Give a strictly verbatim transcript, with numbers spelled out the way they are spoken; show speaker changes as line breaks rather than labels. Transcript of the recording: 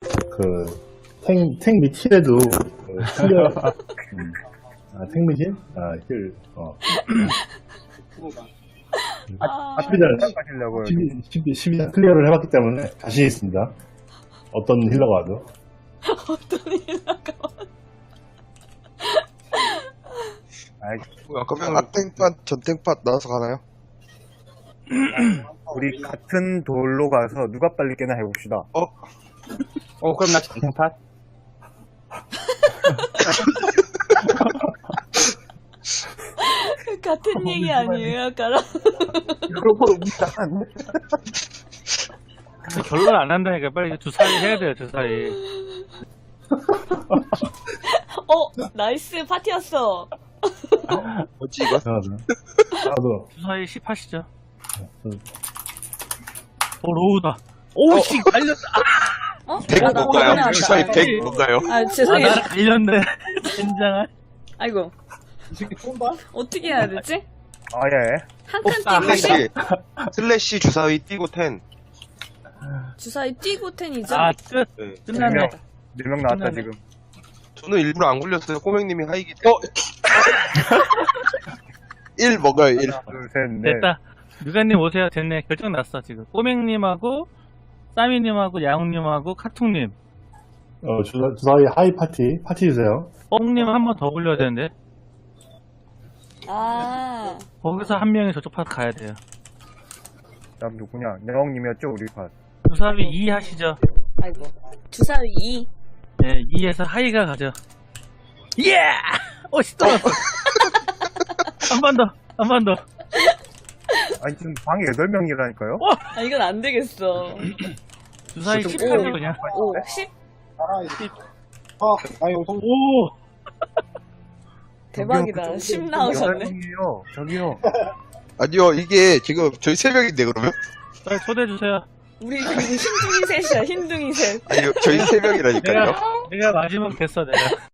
그, 탱, 탱 미칠에도, 그, 클리어, 음, 아, 탱 미칠? 아, 힐, 어.
아,
십이 단,
하시려고요.
십이, 십이, 십이 단 클리어를 해봤기 때문에 자신 있습니다. 어떤 힐러가 와도.
어떤 힐러가
아이,
그러면 앞땡팟, 전땡팟 나와서 가나요?
우리 같은 돌로 가서 누가 빨리 깨나 해봅시다.
어?
어, 그럼 나 전쟁팟?
같은 얘기 아니에요, 아까랑?
그러고 우리가
결론 안 한다니까 빨리 주사위 해야 돼요 주사위.
어, 나이스 파티였어.
뭐지 이거?
나도. 나도.
주사위 십 하시죠. 어 로우다. 오씨 갈렸다.
어?
백
아, 나
뭔가요?
혼나왔다.
주사위
아,
백 뭔가요?
아,
아
죄송해요.
나를 갈렸네. 젠장할.
아이고. 어떻게 해야 되지?
아, 예.
한 칸
아,
띄고
슬래시 슬래시 주사위 띄고 텐.
주사위 띄고 텐이죠?
아 끝.
네.
끝났네.
네 명 나왔다,
끝나네.
지금.
저는 일부러 안 굴렸어요. 꼬맹님이 하이기. 어? 일 먹어요 일.
하나, 둘, 셋, 넷.
됐다. 누가님 오세요. 됐네. 결정 났어 지금. 꼬맹님하고 싸미님하고 야옹님하고 카퉁님.
어, 주사, 주사위 하이 파티, 파티 주세요.
뽕님 한 번 더 굴려야 되는데
아,
거기서 한 명이 저쪽 파트 가야 돼요.
다음 누구냐? 여왕님이었죠, 우리 팟.
주사위 이 하시죠.
아이고. 주사위 이.
네, 이에서 하이가 가죠. 예! 오씨 떨어졌어. 한 번 더, 한 번 더.
아니, 지금 방에 여덟 명이라니까요?
아, 이건 안 되겠어.
주사위 십
오.
하죠 그냥.
오, 십?
오!
대박이다. 십 나오셨네.
명이에요. 저기요.
아니요 이게 지금 저희 세 명인데 그러면?
빨리 초대해 주세요.
우리 그리고 흰둥이 셋이야, 흰둥이 셋.
아니요 저희 세 명이라니까요.
내가 내가 마지막 됐어 내가.